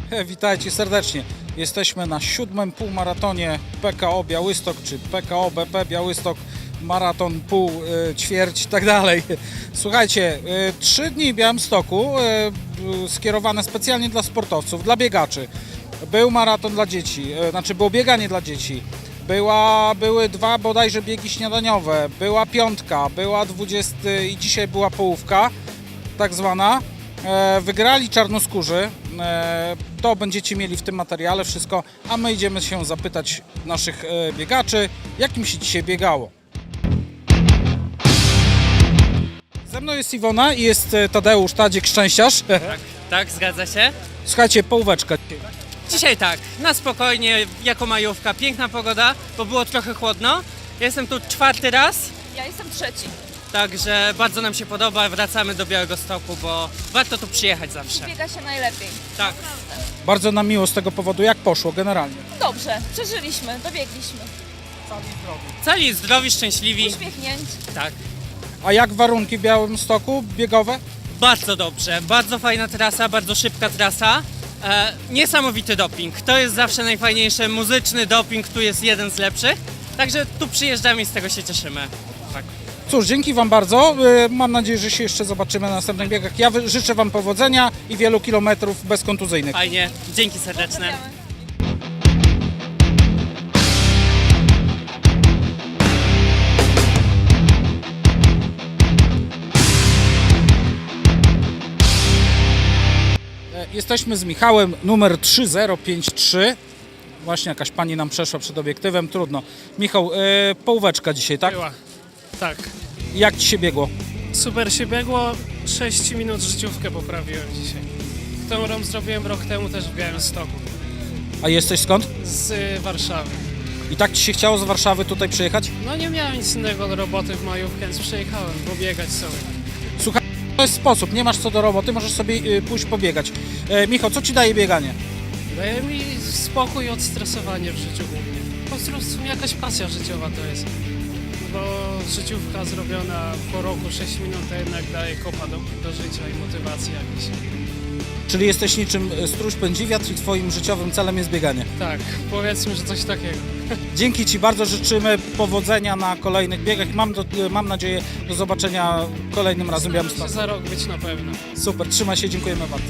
Witajcie serdecznie. Jesteśmy na 7. półmaratonie PKO Białystok, czy PKO BP Białystok, maraton, pół, ćwierć i tak dalej. Słuchajcie, 3 dni w Białymstoku skierowane specjalnie dla sportowców, dla biegaczy. Był maraton dla dzieci, było bieganie dla dzieci. Były 2 bodajże biegi śniadaniowe, była piątka, była 20 i dzisiaj była połówka, tak zwana. Wygrali czarnoskórzy, to będziecie mieli w tym materiale wszystko, a my idziemy się zapytać naszych biegaczy, jak im się dzisiaj biegało. Ze mną jest Iwona i jest Tadeusz Tadzik Szczęściarz. Tak, zgadza się. Słuchajcie, połóweczka. Dzisiaj tak, na spokojnie, jako majówka, piękna pogoda, bo było trochę chłodno. Jestem tu 4. raz, Ja jestem 3. także bardzo nam się podoba, wracamy do Białegostoku, bo warto tu przyjechać zawsze. Biega się najlepiej. Tak. Bardzo nam miło z tego powodu, jak poszło generalnie. Dobrze, przeżyliśmy, dobiegliśmy. Cali zdrowi, szczęśliwi, Uśmiechnięci. tak. A jak warunki w Białymstoku biegowe? Bardzo dobrze, bardzo fajna trasa, bardzo szybka trasa. Niesamowity doping, to jest zawsze najfajniejsze, muzyczny doping, tu jest jeden z lepszych. Także tu przyjeżdżamy i z tego się cieszymy. Tak. Cóż, dzięki Wam bardzo. Mam nadzieję, że się jeszcze zobaczymy na następnych biegach. Ja życzę Wam powodzenia i wielu kilometrów bezkontuzyjnych. Fajnie, dzięki serdeczne. Pozdrawiamy. Jesteśmy z Michałem, numer 3053. Właśnie jakaś pani nam przeszła przed obiektywem, trudno. Michał, połóweczka dzisiaj, tak? Była. Tak. Jak Ci się biegło? Super się biegło. 6 minut życiówkę poprawiłem dzisiaj. Którą zrobiłem rok temu też w Białymstoku. A jesteś skąd? Z Warszawy. I tak Ci się chciało z Warszawy tutaj przyjechać? No nie miałem nic innego do roboty w majówkę, więc przyjechałem pobiegać sobie. Słuchaj, to jest sposób, nie masz co do roboty, możesz sobie pójść pobiegać. Michał, co Ci daje bieganie? Daje mi spokój i odstresowanie w życiu głównie. Po prostu jakaś pasja życiowa to jest. Bo życiówka zrobiona po roku 6 minut to jednak daje kopa do życia i motywacji jakiejś. Czyli jesteś niczym stróż pędzi wiatr i Twoim życiowym celem jest bieganie. Tak, powiedzmy, że coś takiego. Dzięki Ci bardzo, życzymy powodzenia na kolejnych biegach i mam nadzieję do zobaczenia kolejnym razem w Muszę Białymstoku. za rok być na pewno. Super, trzymaj się, dziękujemy bardzo.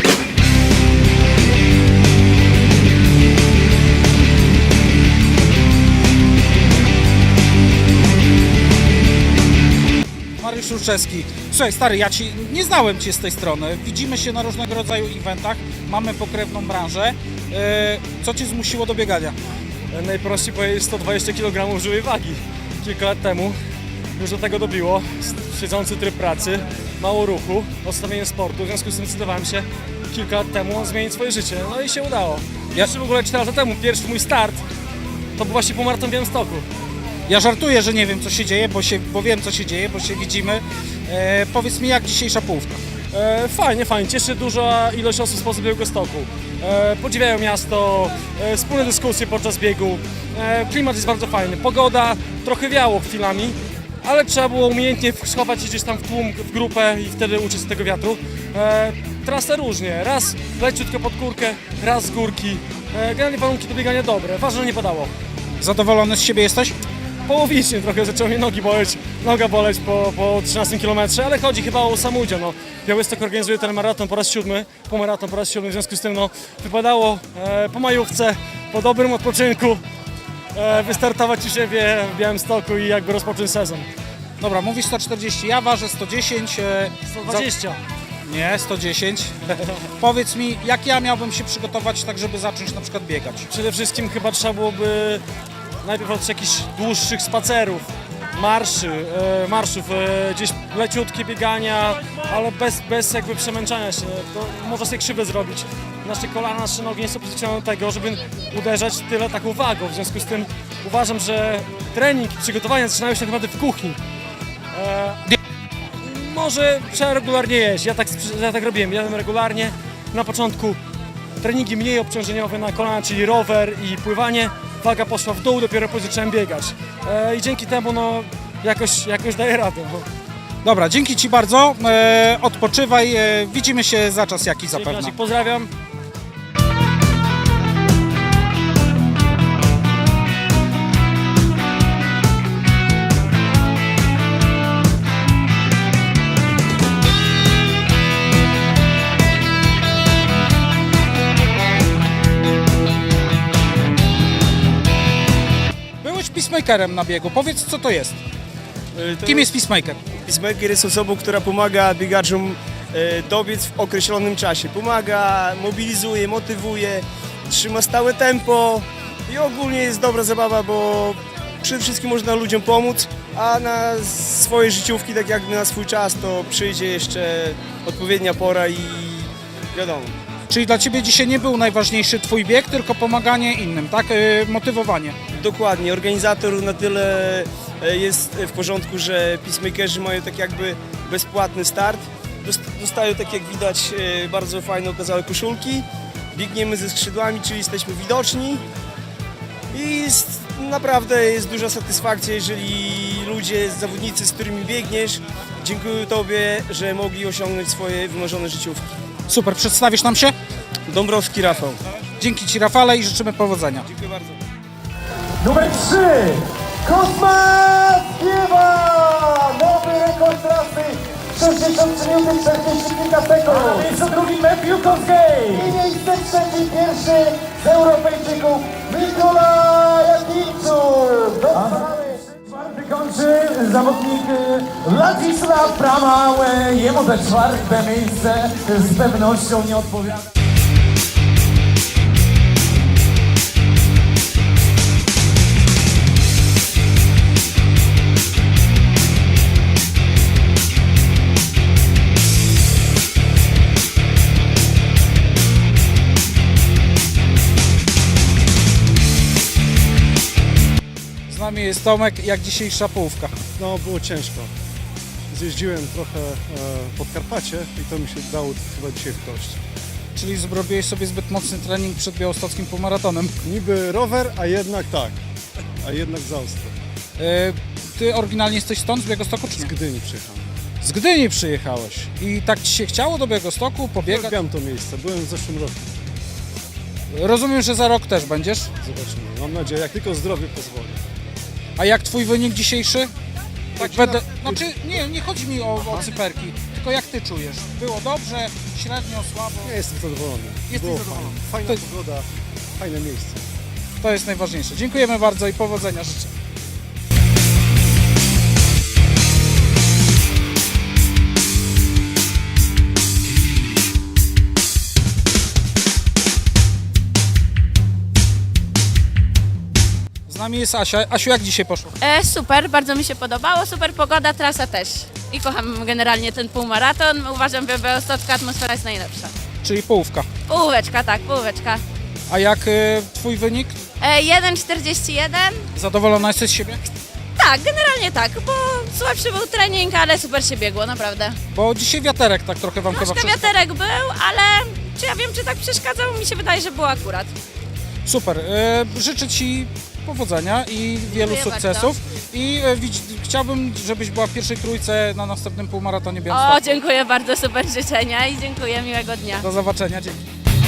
Mariusz Ruczewski. Słuchaj stary, nie znałem Cię z tej strony. Widzimy się na różnego rodzaju eventach, mamy pokrewną branżę. Co Cię zmusiło do biegania? Najprościej powiedzieć 120 kg żywej wagi. Kilka lat temu już do tego dobiło. Siedzący tryb pracy, mało ruchu, odstawienie sportu. W związku z tym zdecydowałem się kilka lat temu zmienić swoje życie. No i się udało. Jeszcze w ogóle 4 lata temu, pierwszy mój start, to był właśnie półmaraton w Białymstoku. Ja żartuję, że nie wiem co się dzieje, bo wiem co się dzieje, bo się widzimy. Powiedz mi, jak dzisiejsza połówka? Fajnie. Cieszy duża ilość osób spoza Białegostoku. Podziwiają miasto, wspólne dyskusje podczas biegu. Klimat jest bardzo fajny. Pogoda trochę wiało chwilami, ale trzeba było umiejętnie schować się gdzieś tam w tłum, w grupę i wtedy uczyć się tego wiatru. Trasa różnie. Raz leciutko pod górkę, raz z górki. Generalnie warunki do biegania dobre. Ważne, że nie padało. Zadowolony z siebie jesteś? Połowicznie trochę zaczęło mnie noga boleć po 13 km, ale chodzi chyba o sam udział. No, Białystok organizuje ten maraton po raz 7, półmaraton po raz 7, w związku z tym wypadało po majówce, po dobrym odpoczynku wystartować u siebie w Białymstoku i jakby rozpocząć sezon. Dobra, mówisz 140, ja ważę 110. 120. Nie, 110. Powiedz mi, jak ja miałbym się przygotować tak, żeby zacząć na przykład biegać? Przede wszystkim chyba trzeba byłoby najpierw od jakichś dłuższych spacerów, marszów, gdzieś leciutkie biegania, ale bez jakby przemęczania się. To można sobie krzywdę zrobić. Nasze kolana, nasze nogi nie są przyzwyczajone do tego, żeby uderzać tyle taką wagą. W związku z tym uważam, że trening i przygotowania zaczynają się tak naprawdę w kuchni. Może trzeba regularnie jeść. Ja tak robiłem. Jadłem regularnie. Na początku treningi mniej obciążeniowe na kolana, czyli rower i pływanie. Waga poszła w dół, dopiero później zacząłem biegać. I dzięki temu jakoś daję radę. Dobra, dzięki Ci bardzo. Odpoczywaj. Widzimy się za czas jakiś zapewne. Pozdrawiam. peacemakerem na biegu. Powiedz, co to jest? Kim jest peacemaker? Peacemaker jest osobą, która pomaga biegaczom dobiec w określonym czasie. Pomaga, mobilizuje, motywuje, trzyma stałe tempo i ogólnie jest dobra zabawa, bo przede wszystkim można ludziom pomóc, a na swoje życiówki, tak jak na swój czas, to przyjdzie jeszcze odpowiednia pora i wiadomo. Czyli dla Ciebie dzisiaj nie był najważniejszy Twój bieg, tylko pomaganie innym, tak? Motywowanie. Dokładnie, organizator na tyle jest w porządku, że peacemakerzy mają tak jakby bezpłatny start. Dostają, tak jak widać, bardzo fajne okazałe koszulki. Biegniemy ze skrzydłami, czyli jesteśmy widoczni. I naprawdę jest duża satysfakcja, jeżeli ludzie, zawodnicy, z którymi biegniesz, dziękują Tobie, że mogli osiągnąć swoje wymarzone życiówki. Super, przedstawisz nam się? Dąbrowski Rafał. Dzięki Ci, Rafale, i życzymy powodzenia. Dziękuję bardzo. Numer 3. Kosma Kiewa! Nowy rekord trasy. 63 minuty 40 kilka sekund. A na miejscu drugim Matthew Kosgej. I miejsce trzecie, pierwszy z Europejczyków Mikołaj Jakimczuk. Czwarty kończy zawodnik Władysław Pramał. Jemu te czwarte miejsce z pewnością nie odpowiada. Z nami jest Tomek, jak dzisiejsza połówka. No, było ciężko. Zjeździłem trochę Podkarpacie i to mi się dało chyba dzisiaj w kość. Czyli zrobiłeś sobie zbyt mocny trening przed białostockim półmaratonem. Niby rower, a jednak tak. A jednak za ostro. Ty oryginalnie jesteś stąd, z Białegostoku, czy Z nie? Gdyni przyjechałem. Z Gdyni przyjechałeś. I tak Ci się chciało do Białegostoku pobiegać? Lubiam to miejsce, byłem w zeszłym roku. Rozumiem, że za rok też będziesz. Zobaczymy. Mam nadzieję, jak tylko zdrowie pozwoli. A jak Twój wynik dzisiejszy? Tak Taki będę... Znaczy, nie chodzi mi o cyferki, tylko jak Ty czujesz? Było dobrze, średnio, słabo? Ja jestem zadowolony. Jesteś Było zadowolony. fajnie. Fajna pogoda, fajne miejsce. To jest najważniejsze. Dziękujemy bardzo i powodzenia życzę. Z nami jest Asia. Asiu, jak dzisiaj poszło? Super, bardzo mi się podobało, super pogoda, trasa też. I kocham generalnie ten półmaraton. Uważam, że białostocka atmosfera jest najlepsza. Czyli połówka. Połóweczka, tak, połóweczka. A jak Twój wynik? 1,41. Zadowolona jesteś z siebie? Tak, generalnie tak, bo słabszy był trening, ale super się biegło, naprawdę. Bo dzisiaj wiaterek tak trochę Wam chyba Troszkę przeszkadzał. wiaterek był, ale czy ja wiem, czy tak przeszkadzał? Mi się wydaje, że było akurat. Super. Życzę Ci powodzenia i wielu Dziękuję sukcesów. I chciałbym, żebyś była w pierwszej trójce na następnym półmaratonie O, Białymstoku. dziękuję bardzo, super życzenia i dziękuję, miłego dnia. Do zobaczenia. Dzięki.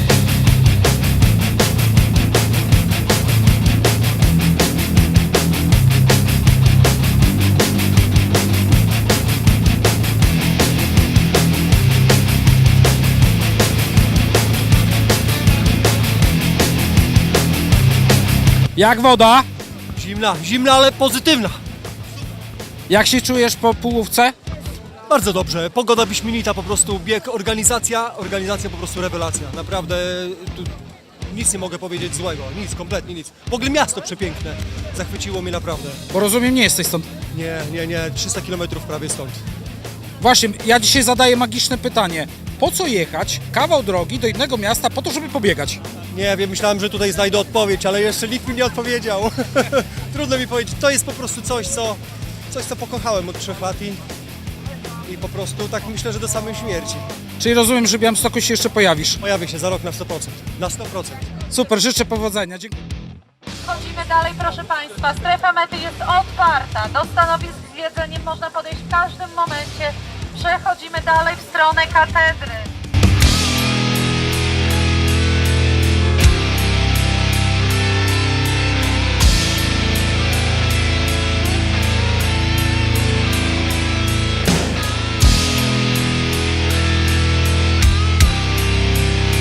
Jak woda? Zimna, ale pozytywna. Jak się czujesz po półówce? Bardzo dobrze, pogoda wyśmienita, po prostu bieg, organizacja po prostu rewelacja. Naprawdę tu nic nie mogę powiedzieć złego, nic, kompletnie nic. W ogóle miasto przepiękne, zachwyciło mnie naprawdę. Bo rozumiem, nie jesteś stąd. Nie, 300 km prawie stąd. Właśnie, ja dzisiaj zadaję magiczne pytanie. Po co jechać kawał drogi do innego miasta po to, żeby pobiegać? Nie wiem, myślałem, że tutaj znajdę odpowiedź, ale jeszcze nikt mi nie odpowiedział. Trudno mi powiedzieć, to jest po prostu coś, co pokochałem od 3 lat i po prostu tak myślę, że do samej śmierci. Czyli rozumiem, że w Białymstoku się jeszcze pojawisz. Pojawię się za rok na 100%. Na 100%. Super, życzę powodzenia. Dziękuję. Chodzimy dalej, proszę Państwa. Strefa mety jest otwarta. Do stanowisk z jedzeniem można podejść w każdym momencie. Przechodzimy dalej w stronę katedry.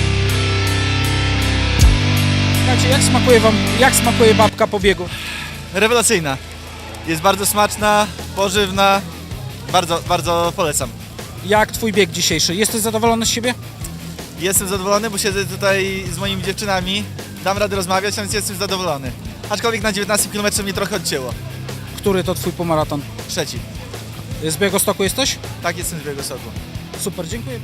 Słuchajcie, jak smakuje babka po biegu? rewelacyjna. Jest bardzo smaczna, pożywna, bardzo polecam. Jak twój bieg dzisiejszy? Jesteś zadowolony z siebie? Jestem zadowolony, bo siedzę tutaj z moimi dziewczynami, dam radę rozmawiać, więc jestem zadowolony. Aczkolwiek na 19 km mnie trochę odcięło. Który to twój półmaraton? Trzeci. Z Białegostoku jesteś? Tak, jestem z Białegostoku. Super, dziękuję.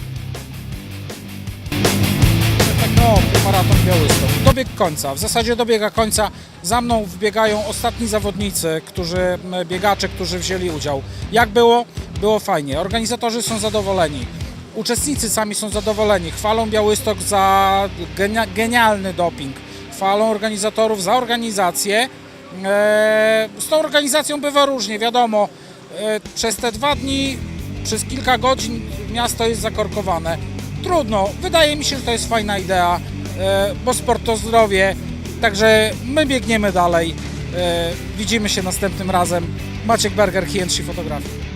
PKO Półmaraton Białystok. Dobieg końca. W zasadzie dobiega końca. Za mną wbiegają ostatni zawodnicy, biegacze, którzy wzięli udział. Jak było? Było fajnie. Organizatorzy są zadowoleni. Uczestnicy sami są zadowoleni. Chwalą Białystok za genialny doping. Chwalą organizatorów za organizację. Z tą organizacją bywa różnie, wiadomo. Przez te 2 dni, przez kilka godzin miasto jest zakorkowane. Trudno, wydaje mi się, że to jest fajna idea, bo sport to zdrowie, także my biegniemy dalej. Widzimy się następnym razem. Maciek Berger, HNC Fotografii.